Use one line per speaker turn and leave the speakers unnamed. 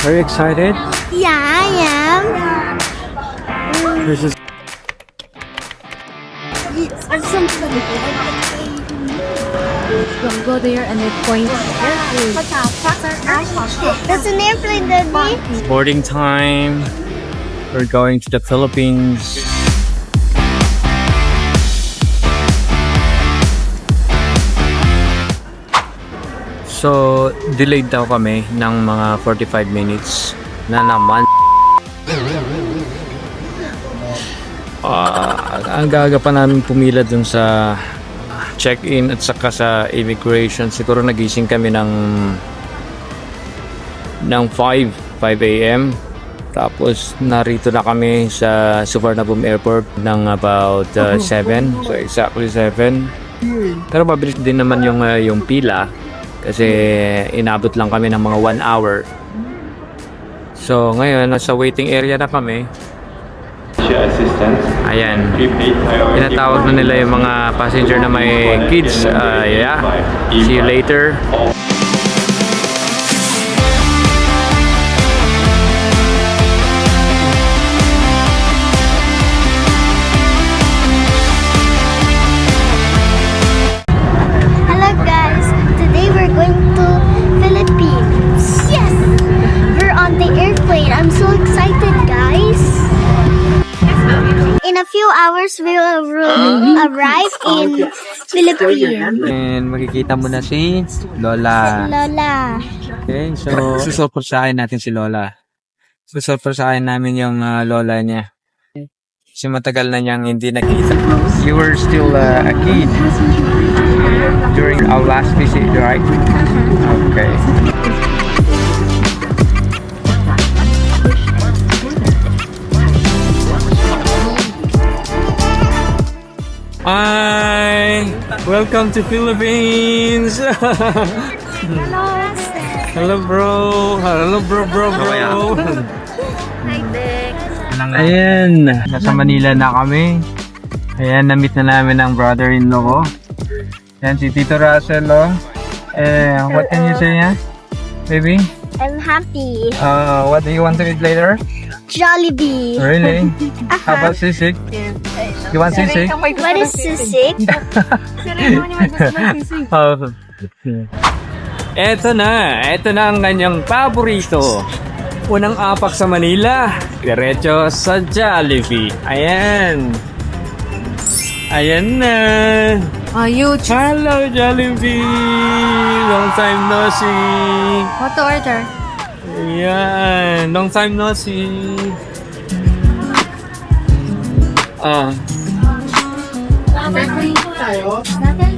Are you excited?
Yeah, I am.
This is
Don't go there and it points.
That's an airplane, Daddy.
boarding time. We're going to the Philippines. So, delayed daw kami ng mga 45 minutes na naman. Ang gaga pa namin pumila dun sa check-in at saka sa immigration. Siguro nagising kami ng 5 a.m. Tapos narito na kami sa Suvarnabhumi Airport ng about 7. So exactly 7. Pero mabilis din naman yung pila kasi inabot lang kami ng mga 1 hour. So ngayon nasa waiting area na kami. Ayan. Tinatawag na nila yung mga passenger na may kids. Yeah. See you later.
Hello guys, today we're going to Philippines. Yes! We're on the airplane. I'm so excited, guys. In a few hours, we will arrive in Philippines.
And makikita mo na si Lola.
Lola.
Okay, so susurpresahin natin si Lola. Susurpresahin namin yung Lola niya. Kasi matagal na niyang hindi nakita. You were still a kid during our last visit, right? Okay. Hi! Welcome to Philippines! Hello bro! Hello bro!
Hi, Dick.
Ayan! Nasa Manila na kami. Ayan, na-meet na namin ang brother-in-law ko. Ayan, si Tito Russell, oh. What can you say, yeah? Baby?
I'm happy.
What do you want to eat later?
Jollibee.
Really? How about sisig? You want sisig?
What is sisig?
Eto na ang kanyang paborito. Unang apak sa Manila, diretso sa Jollibee. Ayan na.
Huge.
Hello Jollibee, long time no see.
What to order?
Ayan, long time no see.
Natin?